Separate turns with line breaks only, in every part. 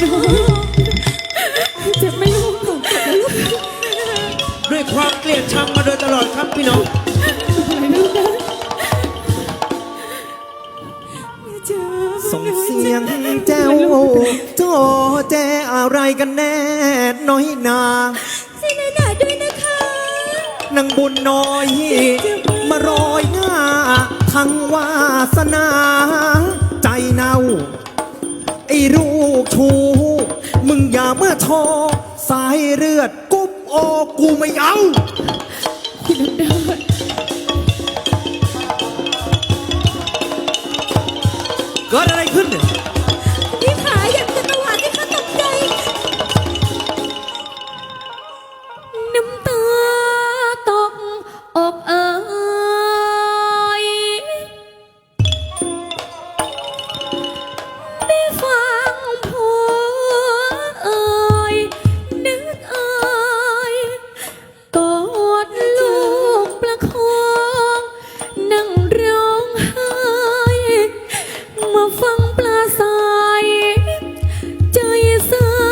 เจ็บไหมลูกเจ็บไหมลูก
ด้วยความเกลียดชังมาโดยตลอดครับพี่น้อง
ส่งเสียงแจ้วโจแจอะไรกันแน่น้อยนา
เสียหนาด้วยนะคะ
นางบุญน้อยมารอยหน้าทั้งวาสนาใจเน่าไอ้ลูกชูมึงอย่าเมื่อทอสายเลือดกุ๊บโอกูไม่เอา
คุณน้ำดา
เกิดอะไรขึ้นเนี่ย
พี่ขาอยากจะตวาดที่ข้าตกใจน้ำตาตกอกได้ฟังผัวนึกกอดลูกประคองนั่งร้องไห้มาฟังปลาใสใจเศร้า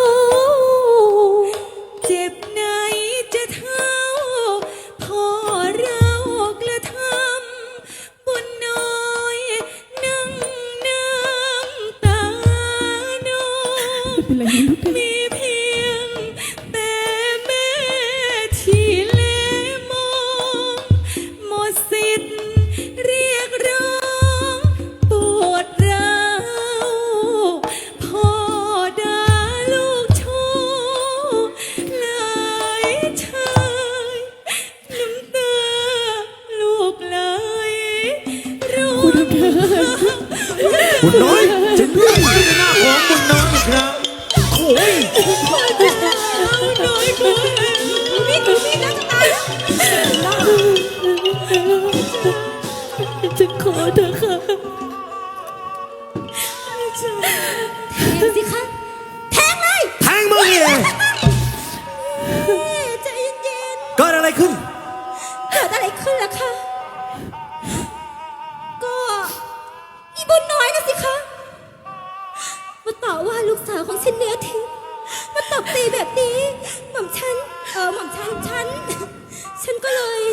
เจ็บไหนจะเท่าพอเรากระทำบุญน้อยนั่งน้ำตาโนมีเพียงแต่แม่ที่เลมองหมดสิทธิ์เรียกร้องปวดร้าวพ่อด่าลูกชู้หลายชายน้ำตาลูกไหลร่วง
บุญน้อยจะเลื่อน
ไปหน้าของบุญน้องอีกครั้งโอ้ย
น้อยกูนี่กูนี่นะจะตายฉันขอเถอะค่ะแทงสิคะแทงเลย
แทงมึงเอง
ใจเย็น
เกิดอะไรขึ้น
ๆเกิดอะไรขึ้นล่ะคะก็อีบุญน้อยนะสิคะมาต่อว่าลูกสาวของฉันเนื้อทิ้งมาตบตีแบบนี้หม่อมฉันฉันก็เลย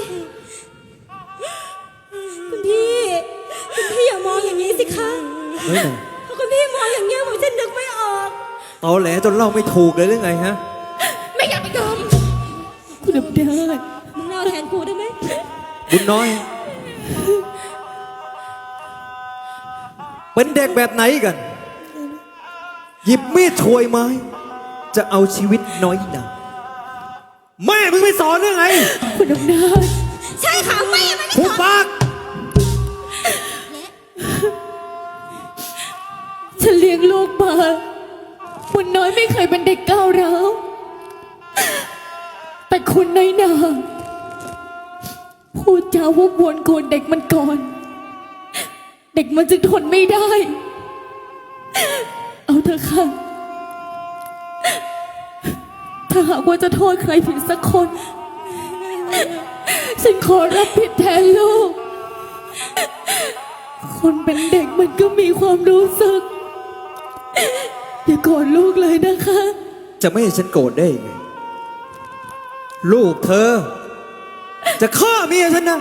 คุณพี่อย่ามองอย่างนี้สิคะเพราะคุณพี่มองอย่างนี้ผมฉันนึกไม่ออก
ตอแหลจนเล่าไม่ถูกเลยหรือไงฮะ
ไม่อยากไปยอมคุณดำเดินมึงเล่าแทนกูได้ไหม
บุญน้อย เป็นเด็กแบบไหนกัน หยิบมีดช่วยไม้ จะเอาชีวิตน้อยหนาแม่มึงไม่สอนหรือไง
คุณดำเนินใช่ค่ะแม่ไม่ได้สอน
หุบปาก
ฉันเลี้ยงลูกมาคุณน้อยไม่เคยเป็นเด็กก้าวร้าวแต่คุณน้อยนาพูดจาวกวนโกนเด็กมันก่อน เด็กมันจึงทนไม่ได้ เอาเถอะค่ะถ้าหากว่าจะโทษใครผิดสักคน ฉันขอรับผิดแทนลูก คนเป็นเด็กมันก็มีความรู้สึกอย่าโกรธลูกเลยนะคะ
จะไม่ให้ฉันโกรธได้ยังไง ลูกเธอ จะฆ่าเมียฉันนะ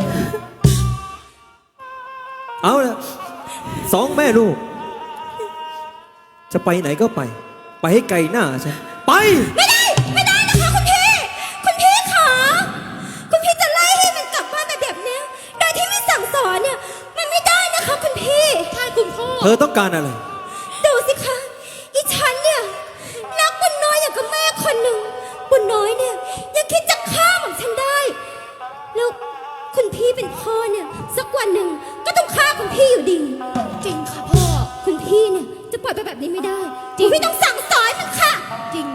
เอาละสองแม่ลูก จะไปไหนก็ไป ไปให้ไกลหน้าฉัน ไป
ไม่ได้นะคะคุณพี่ขาคุณพี่จะไล่ให้มันกลับบ้านแบบนี้โดยที่ไม่สั่งสอนเนี่ยมันไม่ได้นะคะคุณพี่ใช่คุณพ่อ
เธอต้องการอะไร
ดูสิคะอีฉันเนี่ยรักบุญน้อยอย่างกับแม่คนหนึ่งบุญน้อยเนี่ยยังคิดจะฆ่าหม่อมฉันได้แล้วคุณพี่เป็นพ่อเนี่ยสักวันหนึ่งก็ต้องฆ่าคุณพี่อยู่ดีจริงค่ะพ่อคุณพี่เนี่ยจะปล่อยไปแบบนี้ไม่ได้คุณพี่ต้องสั่งสอนมันค่ะจริง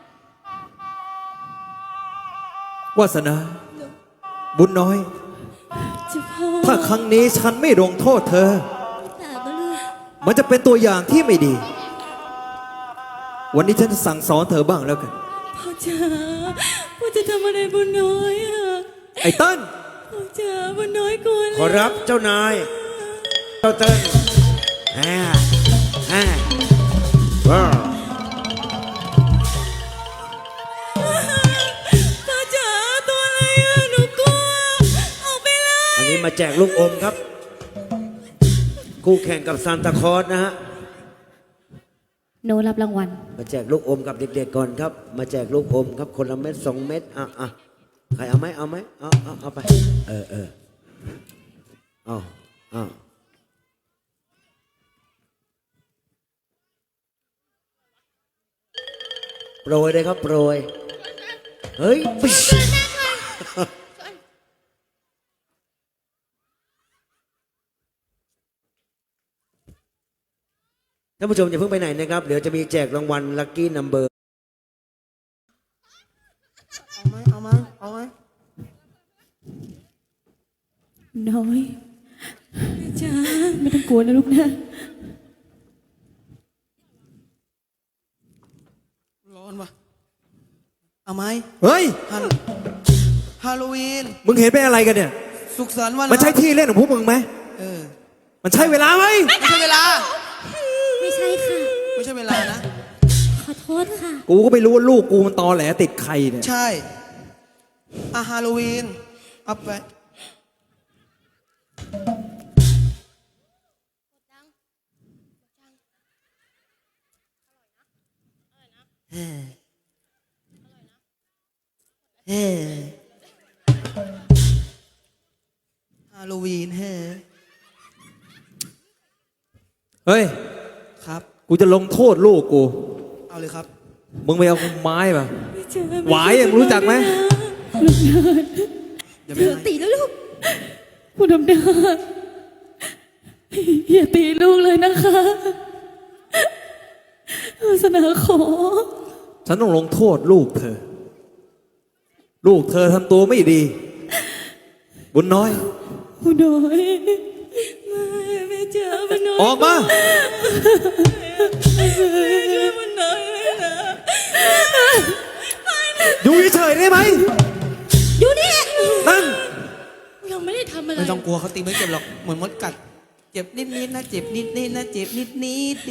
วาสนา บุญน้อย ถ้าครั้งนี้ฉันไม่ลงโทษเธอ มันจะเป็นตัวอย่างที่ไม่ดี วันนี้ฉันจะสั่งสอนเธอบ้างแล้วกัน
พ่อจ๋าพ่อจะทำอะไรบุญน้อยอะ
ไอ้เติ้ล
พ่อจ๋าบุญน้อยกลัวเลย
ขอรับเจ้านายเจ้าเติ้ลว้าวมาแจกลูกอมครับคู่แข่งกับซานตาคลอสนะฮะ
โนรับรางวัล
มาแจกลูกอมกับเด็กๆก่อนครับ มาแจกลูกอมครับคนละเม็ด2 เม็ดใครเอาไหมเอาไหมเอาไปเอาโปรยเลยครับโปรยเฮ้ยปิ๊ชท่านผู้ชมอย่าเพิ่งไปไหนนะครับเดี๋ยวจะมีแจกรางวัลลัคกี้นัมเบอร์
เอาไหม
น้อยจ้าไม่ต้องกลัวนะลูกนะ
ร้อนวะเอาไหม
เฮ้ย
ฮาโลวีน
มึงเห็นเป็นอะไรกันเนี่ย
สุขสันต์วัน
มันใช่ที่เล่นของพวกมึงไหม
เออ
มันใช่เวลาไหม
ไม่ใช่เวลา
ไม่ใช่ค่ะ
ไม่ใช่เวลานะ
ขอโทษค่ะ
กูก็ไม่รู้ว่าลูกกูมันตอแหลติดใครเนี่ย
ใช่ฮาโลวีนเอาไปฮาโลวีน
เฮ้ย
ครับ
กูจะลงโทษลูกกู
เอาเลยครับ
มึงไปเอาไม้มาหวายมึงรู้จักไหม
เดี๋ยวไม่ให้
ตีแล้วลูกคุณอำนาจอย่าตีลูกเลยนะคะวาสนาขอ
ฉันต้องลงโทษลูกเธอ ลูกเธอทำตัวไม่ดี บุญน้อย
คุณน้อยไม่เจอมันน้อย
ออกมา
ช่วยมันน้อยเลยนะ
อยู่เฉยๆได้ไหม
อยู่นี่
นั่ง
ยังไม่ได้ทำอะไร
ไม่ต้องกลัวเขาตีไม่เจ็บหรอกเหมือนมดกัด เจ็บนิดๆนะเจ็บนิดๆนะเจ็บนิดๆดี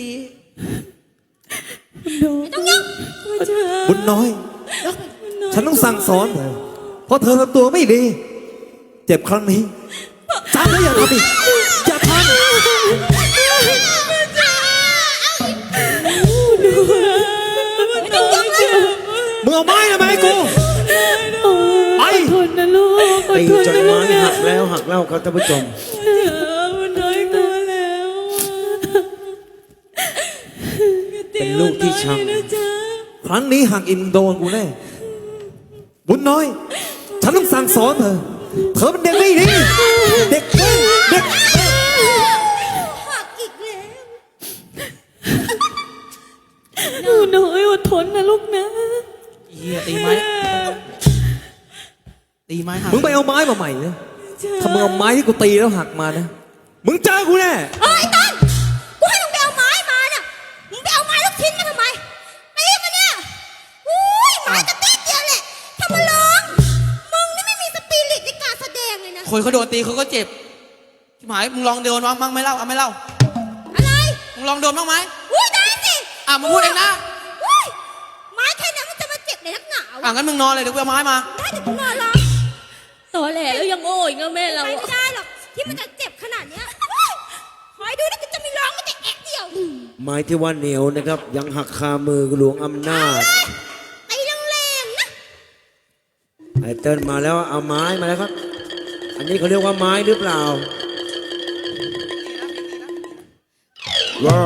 ต้องยัง
บุญน้อย ฉันต้องสั่งสอนเธอเพราะเธอทำตัวไม่ดี เจ็บครั้งนี้จำแล้วอย่าทำอีกอย่าทำมึงเอาไม้ทำไมให้กูไป
ทนนะลูก
ตีจนไม้หักแล้วหักเล่าครับท่านผู้ชม
มันน้อยตัวแล้ว
เป็นลูกที่ช้ำ
นะจ๊ะ
ครั้งนี้หักอินโดนกูแน่บุญน้อย ฉันต้องสั่งสอนเธอ เธอเป็นเด็กไม่ดีเด็กเว้ยเด็ก
หักอีกแล้วหนูน้อยอดทนนะลูกนะ
เฮียตีไหมตีไหมหัก
มึงไปเอาไม้มาใหม่นะถ้ามึงเอาไม้ที่กูตีแล้วหักมานะ มึงเจอกูแน่
ไอ้ตันกูให้มึงไปเอาไม้มาน่ะมึงไปเอาไม้ลูกชิ้นมาทำไมตีมันเนี่ยอุ้ยไม้กระติดเดียวแหละทำมาร้องมึงนี่ไม่มีสปิริตในการแสดงเลยนะ
คนเขาโดนตีเขาก็เจ็บชิบหายมึงลองโดนบ้างไม่เล่าเอาไม่เล่า
อะไร
มึงลองโดนบ้างไหม
อุ้ยได้สิ
มึงพูดเองนะ
อุ้ยไม้แค่นั้นมันจะมาเจ็บในนักหนาว
งั้นมึงนอนเลยเดี๋ยวกูเอาไม้มา
ได้แต่กูนอนรอ
ตอแหลแล้วยังโง่อีกนะแม่เรา
ไป
อะ
ไม่ได้หรอกที่มันจะเจ็บขนาดเนี้ยคอยดูนะกูจะมีร้องไม่แต่แอะเดียว
ไม้ที่ว่าเหนียวนะครับ ยังหักคามือหลวงอำนาจ
ไอ้แรงๆนะ
ไอเติ้ลมาแล้วเอาไม้มาแล้วครับ อันนี้เขาเรียกว่าไม้หรือเปล่าว้า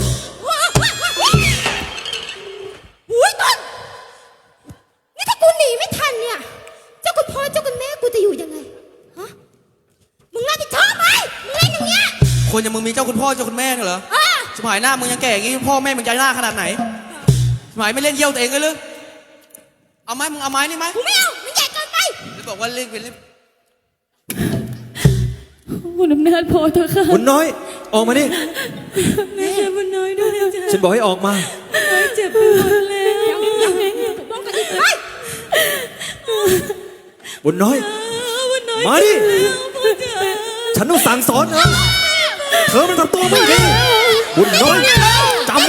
อุ้ยต้นนี่ถ้ากูหนีไม่ทันเนี่ยเจ้าคุณพ่อเจ้าคุณแม่กูจะอยู่ยังไงฮะมึงรับผิดชอบไหมมึงเล่นอย่างเงี้ย
คนอย่างมึงมีเจ้าคุณพ่อเจ้าคุณแม่เหรอ
อ่ะ
ชิบหายหน้ามึงยังแก่อย่างงี้พ่อแม่มึงใจหน้าขนาดไหนชิบหายไม่เล่นเยี่ยวตัวเองเลยหรือเอาไม้มึงเอาไม้นี่ไหม
กูไม่เอามันใหญ่เกินไป
หรือบอกว่าเล่นเป็นเล่น
คุณอำนาจพอเถอะค่ะ
บุญน้อย ออกมาดิ
แม่ช่วยมันน้อยด้วยจ้ะ
ฉันบอกให้ออกมา
น้อยเจ็บไปหมดแล้ว
ป้องกันอีกไป
บุญน้อย มาดิ ฉันต้องสั่งสอนเธอเธอมันทำตัวไม่ดี บุญน้อยจำไว้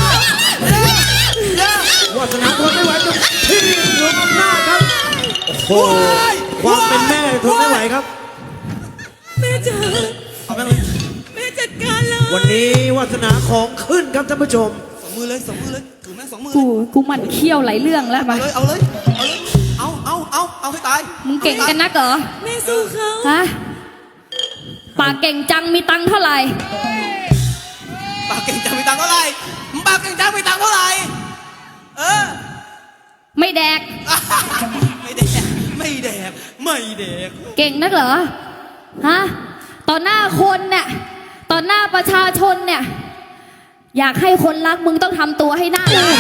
วาสนาทนไม่ไหวจนที่หลวงอำนาจครับโอ้โหความเป็นแม่ทนไม่ไหวครับ
จ๋า
เอาแม่งเลย
แม่จัดการเลย
วันนี้วาสนาของขึ้นครับท่านผู้ชม
สองมือเลยสองมือเลยถือแม่งสองมือ
กูหมั่นเคี้ยวหลายเรื่องแล้ว
เอา
มา
เลยเอาเลยเอาเลยเอาให้ตาย
มึงเก่งกันนักเหรอ
แม่สู้เขา
ฮะ ปากเก่งจังมีตังค์เท่าไหร่
ปากเก่งจังมีตังค์เท่าไหร่มึงปากเก่งจังมีตังค์เท่าไหร่เออ
ไม่แดก
ไม่แดกไม่แดกไม่แดก
เก่งนักเหรอ ฮะ ต่อหน้าคนเนี่ย ต่อหน้าประชาชนเนี่ย อยากให้คนรักมึงต้องทำตัวให้น่ารัก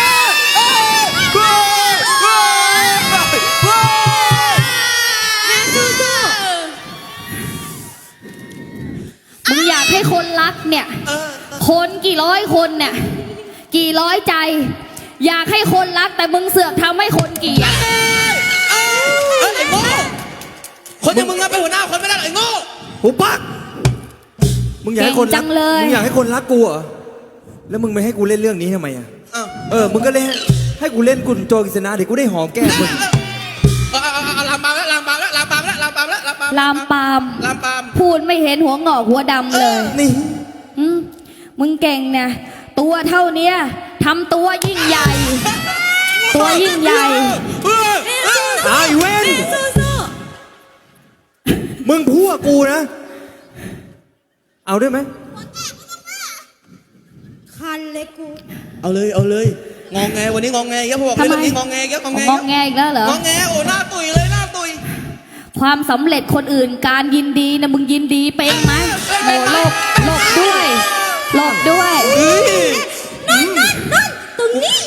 แม่สู้
มึงอยากให้คนรักเนี่ย คนกี่ร้อยคนเนี่ย กี่ร้อยใจ อยากให้คนรักแต่มึงเสือกทำให้คนเกลียด
ไอ้โง่คนอย่างมึงอะเป็นหัวหน้าคนไม่ได้หรอกไอ้โง่
หูปักมึงอยากให้คน
เก่งจั
รัก
งเลย
มึงอยากให้คนรักกูเหรอแล้วมึงไม่ให้กูเล่นเรื่องนี้ทำไมอ่ะ
อ้าว
มึงก็เล่นให้กูเล่นกุนโจกิษณะเดี๋ยวกูได้หอมแก้มมึง
เอาลามปามแล้วลามปามแล้วลามปามแล้วลามปามแล้วลามปาม
ลามปาม
ลามปาม
พูดไม่เห็นหัวงอกหัวดำเลย
นี่
มึงเก่งเนี่ยตัวเท่าเนี้ยทำตัวยิ่งใหญ่ ตัวยิ่งใหญ่
ไอ้เว้น
ๆสู้
มึงพูดกับกูนะ เอาด้วยไหม
คันเลยกู
เอาเลยงองแงวันนี้งองแงเยอะพอบอกเลยเรื่องนี้งองแงเยอะงองแง
งองแงอีกแล้วเหรอ
งองแงโอ้หน้าตุยเลยหน้าตุย
ความสำเร็จคนอื่นการยินดีนะมึงยินดีเป็นไหมโอ้หลบด้วยหลบด้วย
ตรงนี้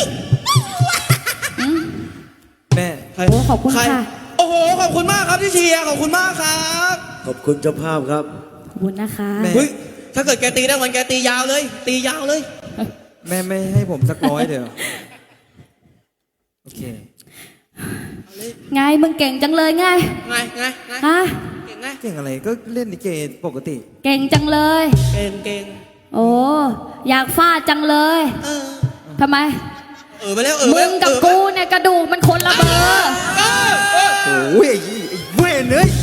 แม่
โอ้ขอบคุณ
ใร
ค่ะ
โอ้โหขอบคุณมากครับที่เชียร์ขอบคุณมากครับ
ขอบคุณเจ้าภาพครับ
ขอบคุณนะคะ
แม่
เฮ้ยถ้าเกิดแกตีได้วันแกตียาวเลย ตียาวเลย
แม่ไม่ให้ผมสักร้อยเดียวโอเค
ไงมึงเก่งจังเลยไง
ไง
ฮะ
เก่งไง
เก่งอะไรก็เล่นลิเกปกติ
เก่งจังเลย
เก่ง
โอ้อยากฟาดจังเลย
เออ
ทำไม
ไปแล้วไป
มึ
แล้ว
งกับกูเนี่ยกระดูกมันคนละเบอร์
โอ้ยไอ้เว้นเอ้ย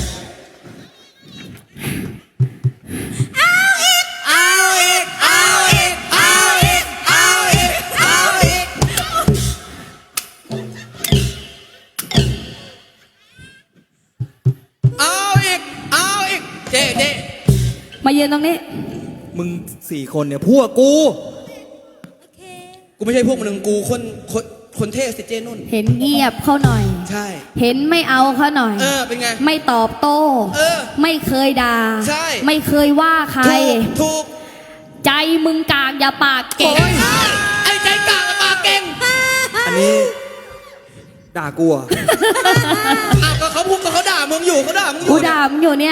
เอาอีกเจ๊
มายืนตรงนี้
มึง4 คนเนี่ยพวกกู
กูไม่ใช่พวกมึงกูคนเท่สิเจนุ่น
เห็นเงียบเขาหน่อย
ใช่
เห็นไม่เอาเขาหน่อย
เป็นไง
ไม่ตอบโต้ ไม่เคยด่า
ใช่
ไม่เคยว่าใคร
ถูก
ใจมึงกากอย่าปากเก่ง
ไอ้ใจกากกับปากเก่ง
อันนี้ด่ากูเหรอ่ะ
ก็เขาพูดก็เขาด่ามึงอยู่เขาด่ามึงอ
กู
ยู่
ด่ามึงอยู่เนี่ย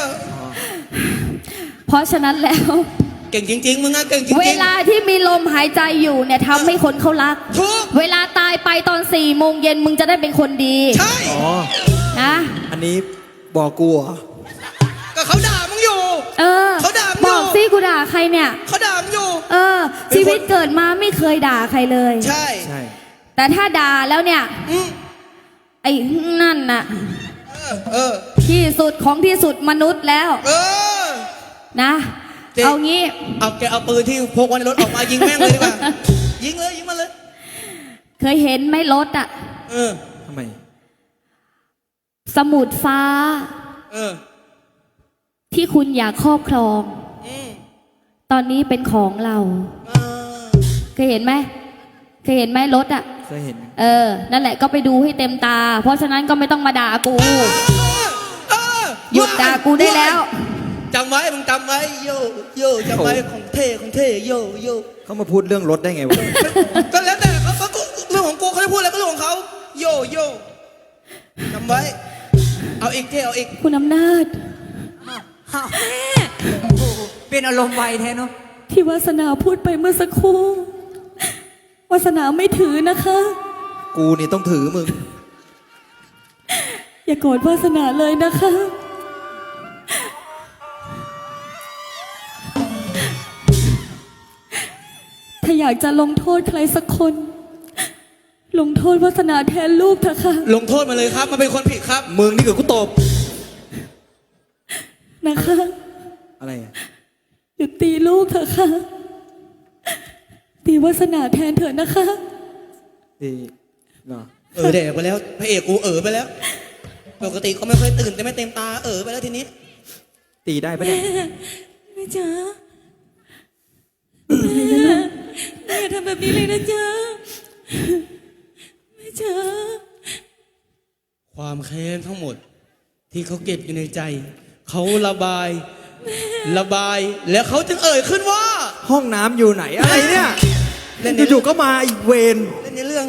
เพราะฉะนั้นแล้ว
เก่งจริงๆมึงอะเก่งจริงๆ
เวลาที่มีลมหายใจอยู่เนี่ยทำให้คนเขารัก
ถูก
เวลาตายไปตอน4 โมงเย็นมึงจะได้เป็นคนดี
ใช่
อ๋อ
นะ
อันนี้บอกกูเหรอ
ก็เขาด่ามึงอยู่
เออ
เขาด่ามึงอยู่
บอกสิกูด่าใครเนี่ย
เขาด่ามึงอยู่
เออ ชีวิตเกิดมาไม่เคยด่าใครเลย
ใช่
ใช่
แต่ถ้าด่าแล้วเนี่ย
อืม
ไอ้นั่นน่ะ
เออ
ที่สุดของที่สุดมนุษย์แล้ว
เออ
นะ
เจ๊
เอางี้
แกเอาปืนที่พกไว้ในรถออกมายิงแม่งเลยดีกว่า ยิงมันเลย
เคยเห็นไหมรถอะ
ทำไม
สมุดฟ้า ที่คุณอยากครอบครอง ตอนนี้เป็นของเรา เคยเห็นไหมเคยเห็นไหมรถอะ
เคยเห็น
นั่นแหละก็ไปดูให้เต็มตา เพราะฉะนั้นก็ไม่ต้องมาด่ากู หยุดด่ากูได้แล้ว
จำไว้มึงจำไว้โยจำไว้ของเท่โย
เขามาพูดเรื่องรถได้ไงวะ
ก็แล้วแต่เขาเรื่องของกูเขาจะพูดอะไรก็เรื่องของเขาโยจำไว้ เอาอีกเท่เอาอีก
คุณอำนาจ
เป็นอารมณ์ไวแท้เนาะ
ที่วาสนาพูดไปเมื่อสักครู่วาสนาไม่ถือนะคะ
กูนี่ต้องถือมึง
อย่าโกรธวาสนาเลยนะคะ ถ้าอยากจะลงโทษใครสักคน ลงโทษวาสนาแทนลูกเถอะค่ะ
ลงโทษมาเลยครับมันเป็นคนผิดครับ
มึงนี่เกิดกูตบ
นะคะ
อะไรอะ
หยุดตีลูกเถอะค่ะตีวาสนาแทนเถอะนะคะ
ดีเหรอ
แดกไปแล้วพระเอกกูไปแล้วปกติก็ไม่ค่อยตื่นแต่ไม่เต็มตาไปแล้วทีนี้
ตีได้ปะเนี่ย
แม่จ๋าแม่อย่าทำแบบนี้เลยนะจ๊ะแม่จ๋า
ความแค้นทั้งหมด ที่เขาเก็บอยู่ในใจ เขาระบาย แล้วเขาจึงขึ้นว่า
ห้องน้ำอยู่ไหนอะไรเนี่ย
เล่นใน
อยู่ๆก็มาอีกเวร
เล่นในเรื่อง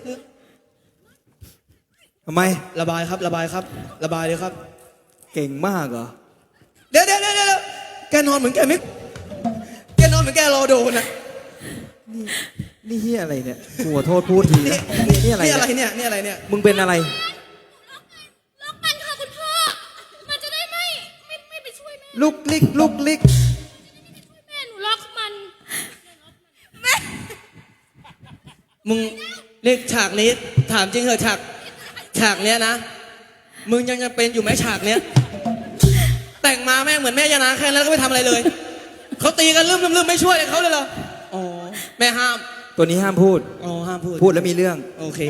ทำไม
ระบายครับ ระบายเลยครับ
เก่งมากเหรอ
เดี๋ยวแกนอนเหมือนแกไม่แกนอนเหมือนแกรอโดนอ่ะ
นี่เฮียอะไรเนี่ยกูขอโทษพูดทีนะนี่อะไร
นี่อะไร
เนี่ย
เนี่ยนี่อะไรเนี่ย
มึงเป็นอะไร
ล็อกมันค่ะคุณพ่อ มันจะได้ไม่ไปช่วยแม่
ลุกลิก
แม่หนูล็อกมัน
มึงเรียกฉากนี้ถามจริงเหรอฉากเนี้ยนะมึงยังจะเป็นอยู่ไหมฉากเนี้ยแต่งมาแม่งเหมือนแม่ยานาแค่นั้นแล้วก็ไม่ทำอะไรเลยเขาตีกันลืมไม่ช่วยเขาเลยเหรออ๋อแม่ห้าม
ตัวนี้ห้ามพูด
อ๋อห้ามพูด
พูดแล้วมีเรื่อง
โอเค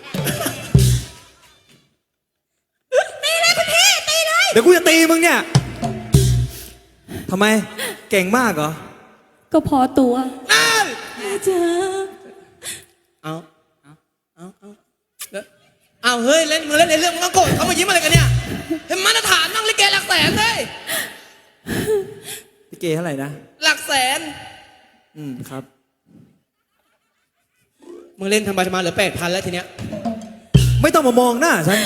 เดี๋ยวกูจะตีมึงเนี่ยทำไม เก่งมากเหรอ
ก็พอตัว
นั่น
แม่จ๋า
เอาแล้วเอาเฮ้ยมึงเล่นในเรื่องมึงต้องโกรธเขามายิ้มอะไรกันเนี่ยเห็นมาตรฐานนั่งลิเกหลักแสนเลย
พี่เกเท่าไหร่นะ
หลักแสน
ครับ
มึงเล่นทำมาเหลือ8,000แล้วทีเนี้ย
ไม่ต้องมามองหน้าฉัน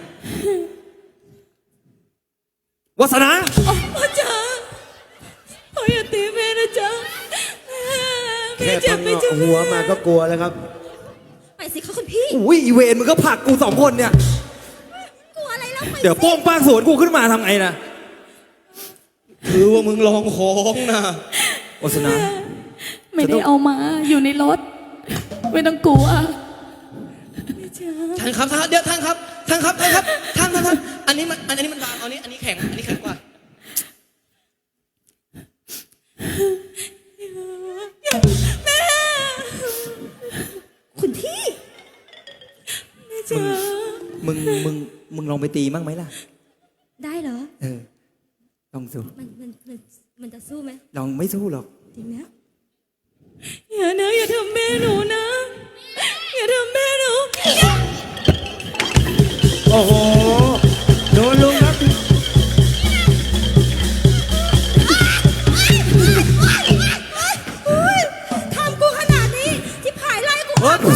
วาสนา
พ่อจ๋าพ่ออย่าตีแม่นะจ๊ะแม่
แค่
เจ็
พั
บ
ง
ไม่
เงาะ
ใช่
หัวมาก็กลัวแล้วครับ
ไปสิคะคุณพี่
อุ้ยอีเวนมึงก็ผลักกูสองคนเนี่ย
กลัวอะไรแล้วไป
เดี๋ยวโป้งป้างสวนกูขึ้นมาทำไงนะ
คือว่ามึงลองของนะ
วาสนา
ไม่ได้เอามาอยู่ในรถ ไม่ต้องกลัวแม่จ๋า
ท่านครับเดี๋ยวท่านครับท่านอันนี้มันบางอันนี้แข็งกว่า
คุณพี่
แม่จ๋า
มึงลองไปตีมั่งไหมล่ะ
ได้เหรอ
ลองสู้
มันจะสู้ไหม
ลองไม่สู้หรอก
จริงนะ
อย่าทำแม่หนูนะ อย่าทำแม่หนู
โอ้โห โดนลุงครับ
ทำกูขนาดนี้ที่ผายไล่กู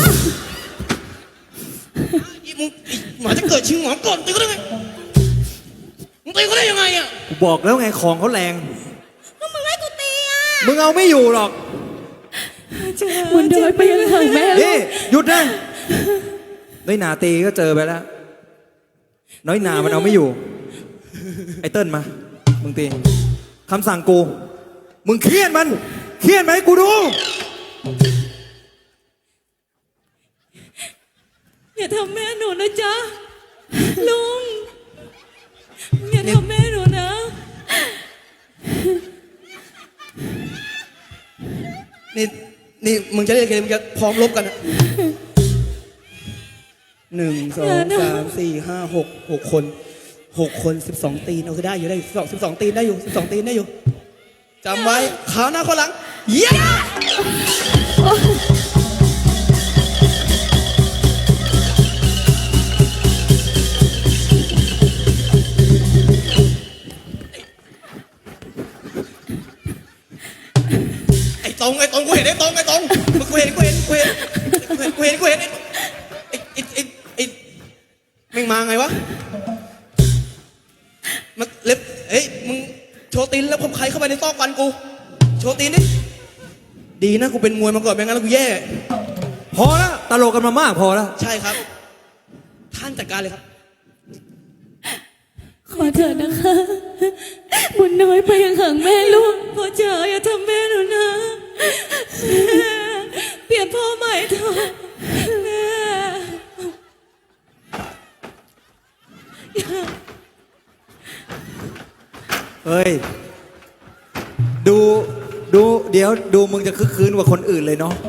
มึงหมาจะเกิดชิงหมอก่อนตีก็ได้ไงมึงตีก็ได้ยังไงอ่ะ
กูบอกแล้วไงของเขาแรง
ก็มึงให้กูตีอ่ะ
มึงเอาไม่อยู่หรอก
บุญเดินไปยังห่างแม่ลู
นี่
ก
หยุดนะน้อยหนาตีก็เจอไปแล้ว น้อยหนามันเอาไม่อยู่ ไอ้เติ้ลมา มึงตีคำสั่งกู มึงเครียดมันให้กูดู
อย่าทำแม่หนูนะจ๊ะ ลุง อย่าทำแม่หนูนะ
นี่มึงจะเล่นเกมมึงจะพร้อมรบกันอะ1 2 3 4 5 6 คน12 ตีนเอาคือได้อยู่12 ตีนได้อยู่12 ตีนได้อยู่จำไว้ขาวหน้าคนหลังเย้ไอ้ตรงกูเห็นไอ้ตรงมึงกูเห็นไอ้แม่งมาไงวะมันเล็บเฮ้ยมึงโชว์ตีนแล้วผมใครเข้าไปในซอกฟันกูโชว์ตีนดิดีนะกูเป็นมวยมาก่อนไม่งั้นแล้วกูแย่
พอแล้วตลกกันมามากพอแล้ว
ใช่ครับ ท่านจัดการเลยครับ
ขอเถิดนะคะ บุญน้อยไปยังห่างแม่ลูกพ่อจ๋าอย่าทำแม่หนูนะแม่เปลี่ยนพ่อใหม่เถอะแม่
เฮ้ย ดูเดี๋ยวดูมึงจะคึกคืนกว่าคนอื่นเลยเนาะ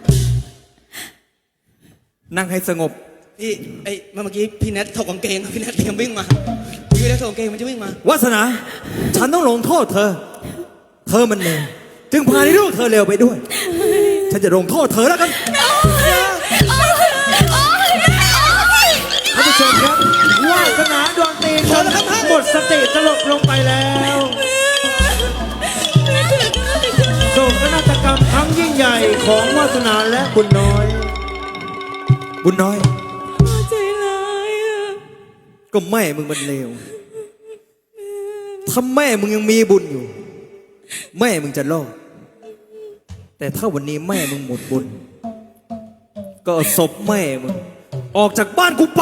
นั่งให้สงบ
พี่เมื่อกี้พี่แนทถกกางเกงพี่แนทเตรียมวิ่งมาพี่แนทถกกางเกงมันจะวิ่งมาว
าสนา ฉันต้องลงโทษเธอ เธอมันเลวจึงพาในลูกเธอเลวไปด้วย ฉันจะลงโทษเธอแล้วกัน
ท่านผู้ชมครับวาสนาดวงตีนครับหมดสติสลบลงไปแล้วโศกนาฏกรรมครั้งยิ่งใหญ่ของวาสนาและบุญน้อย
บุญน้อย
ใจร้ายอะ
ก็แม่มึงมันเลวถ้าแม่มึงยังมีบุญอยู่ แม่มึงจะรอด แต่ถ้าวันนี้แม่มึงหมดบุญ ก็เอาศพแม่มึงออกจากบ้านกูไป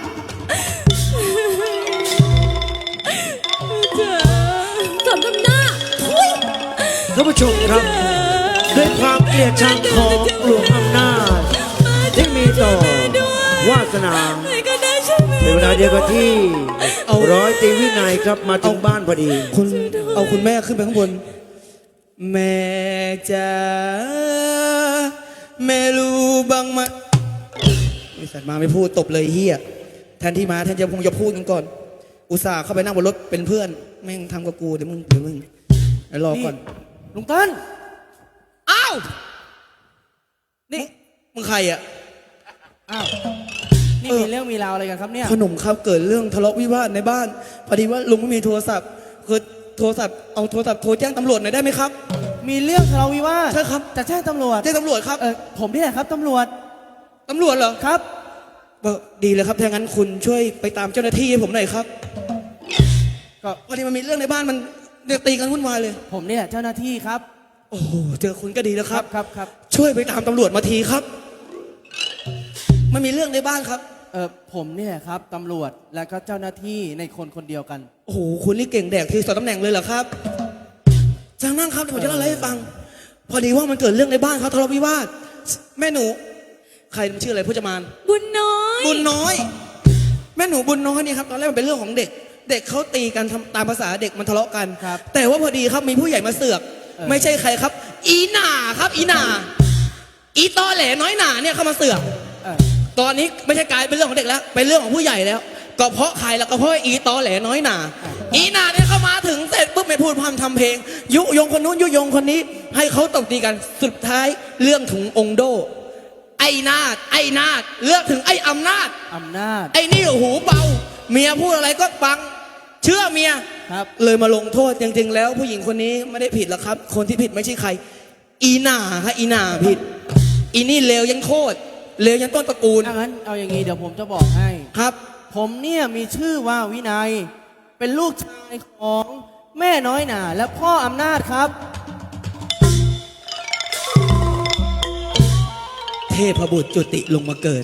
สมน้ำหน้าทุย
ท่านผู้ชมครับด้วยความเกลียดชังของหลวงอำนาจที่มีต่อวาสนา
ใครก็ได้ช่วยแม่
ในเวลาเดียวกันที่ร้อยตรีวินัยครับมาถึงบ้านพอดี
เอาคุณแม่ขึ้นไปข้างบน แม่จ๋าแม่รู้บ้างไหมไอ้สัตว์มาไม่พูดตบเลยเฮียแทนที่มาแทนจะคงจะพูดกันก่อน อุตส่าห์เข้าไปนั่งบนรถเป็นเพื่อนแม่งทำกับกูเดี๋ยวมึงเดี๋ยวรอก่อน
ลุงเติ้ล
อ้าวนี่มึงใครอ่ะ
อ้าว นี่มีเรื่องมีราวอะไรกันครับเนี่ย
ขนมครับเกิดเรื่องทะเลาะวิวาทในบ้านพอดีว่าลุงไม่มีโทรศัพท์คือโทรศัพท์เอาโทรศัพท์โทรแจ้งตำรวจหน่อยได้ไหมครับ
มีเรื่องทะเลาะวิวาท
ใช่ครับ
จะแจ้งตำรวจ
แจ้งตำรวจครับ
ผมนี่แหละครับตำรวจ
ตำรวจเหรอ
ครับ
ดีเลยครับถ้างั้นคุณช่วยไปตามเจ้าหน้าที่ให้ผมหน่อยครับ
ก็
พอดีมันมีเรื่องในบ้านมันเดือดตีกันวุ่นวายเลย
ผมนี่แหละเจ้าหน้าที่ครับ
โอ้โหเจอคุณก็ดีแล้วครับ
ครับ
ช่วยไปตามตำรวจมาทีครับมันมีเรื่องในบ้านครับ
ผมนี่แหละครับตำรวจและก็เจ้าหน้าที่ในคนคนเดียวกัน
โอ้โหคุณนี่เก่งแดกทีสองตำแหน่งเลยเหรอครับจังนั่งครับเดี๋ยวผมจะเล่าอะไรให้ฟัง พอดีว่ามันเกิดเรื่องในบ้านครับทะเลาะวิวาทแม่หนู ใครมันชื่ออะไรพจมาน
บุญน้อย
บุญน้อย แม่หนูบุญน้อยนี่ครับตอนแรกมันเป็นเรื่องของเด็ก เด็กเขาตีกันตามภาษาเด็กมันทะเลาะกัน
ครับ
แต่ว่าพอดีครับมีผู้ใหญ่มาเสือก ไม่ใช่ใครครับ อีหน่าครับอีหน่าอีตอแหลน้อยหน่าเนี่ยเข้ามาเสือก
เออ
ตอนนี้ไม่ใช่กลายเป็นเรื่องของเด็กแล้วเป็นเรื่องของผู้ใหญ่แล้ว ก็เพราะใครแล้วก็เพราะอีตอแหลน้อยหน่าอีหน่าเนี่ยเข้ามาถึงเสร็จปุ๊บไม่พูดพร่ำทำเพลง ยุยงคนนู้นยุยงคนนี้ ให้เขาตบตีกันสุดท้ายเรื่องถึงองค์โด ไอ้นาดเลือกถึงไอ้อำนาจ
อำนาจ
ไอ้นี่หูเบา เมียพูดอะไรก็ฟัง เชื่อเมีย
ครับ
เลยมาลงโทษจริงๆแล้วผู้หญิงคนนี้ไม่ได้ผิดหรอกครับ คนที่ผิดไม่ใช่ใคร อีหน่าครับอีหน่าผิด อีนี่เลวยันโคตรเลวยันต้นตระกูล
ถ้างั้นเอาอย่างนี้เดี๋ยวผมจะบอกให้
ครับ
ผมเนี่ยมีชื่อว่าวินัย เป็นลูกชายของแม่น้อยหนาและพ่ออำนาจครับ
เทพบุตรจุติลงมาเกิด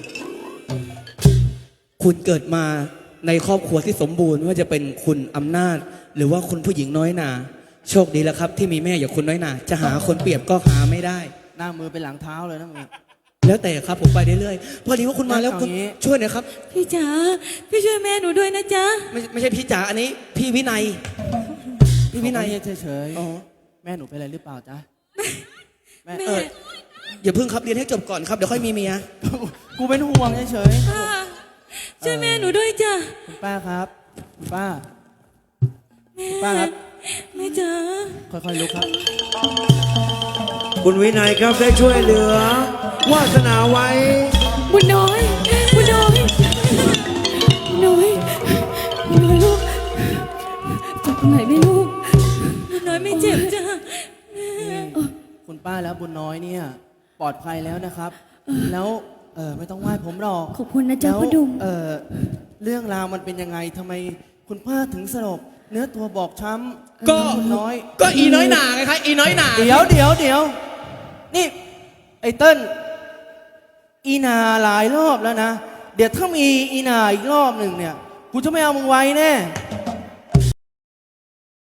คุณเกิดมาในครอบครัวที่สมบูรณ์ไม่ว่าจะเป็นคุณอำนาจ หรือว่าคุณผู้หญิงน้อยหนาโชคดีแล้วครับ ที่มีแม่อย่างคุณน้อยหนาจะหาคนเปรียบก็หาไม่ได้
หน้ามือเป็นหลังเท้าเลยนะมึง
แล้วแต่ครับผมไปเรื่อยๆพอดีว่าคุณมาแล้วคุณ
เอางี้
ช่วยหน่อยครับ
พี่จ๋าพี่ช่วยแม่หนูด้วยนะจ๊ะ
ไม่ใช่พี่จ๋าอันนี้พี่วินัย พี่วินัย
เฉย
อ๋อ
ๆแม่หนูเป็นอะไรหรือเปล่าจ๊ะแม่
แม่
อย่าเพิ่งครับเรียนให้จบก่อนครับเดี๋ยวค่อยมีเมีย
กูเป็นห่วงเฉย
ป้าช่วยแม่หนูด้วยจ้ะ
ๆคุณป้าครับคุณป้า
แม่
ป้าครับ
แม่จ๋า
ค่อยๆลุกครับ
คุณวินัยครับได้ช่วยเหลือ วาสนาไว้
บุญน้อยบุญน้อยบุญน้อยบุญน้อยลูกเจ็บตรงไหนไหม่ลูกบุญน้อยไม่เจ็บจ้ะแม่
คุณป้าแล้วบุญน้อยเนี่ยปลอดภัยแล้วนะครับ แล้วไม่ต้องไหว้ผมหรอก
ขอบคุณนะจ๊ะ
แล้ว
พ่อดุม
เรื่องราวมันเป็นยังไงทำไมคุณป้าถึงสลบเนื้อตัวบอบช้ำ
ก็
คุณน้อย
ก็อีน้อยหนาไงครับอีน้อยหนา
เดี๋ยวนี่ไอ้เติ้ลอีนาหลายรอบแล้วนะ เดี๋ยวถ้ามีอีนาอีกรอบหนึ่งเนี่ยกูจะไม่เอามึงไว้แน่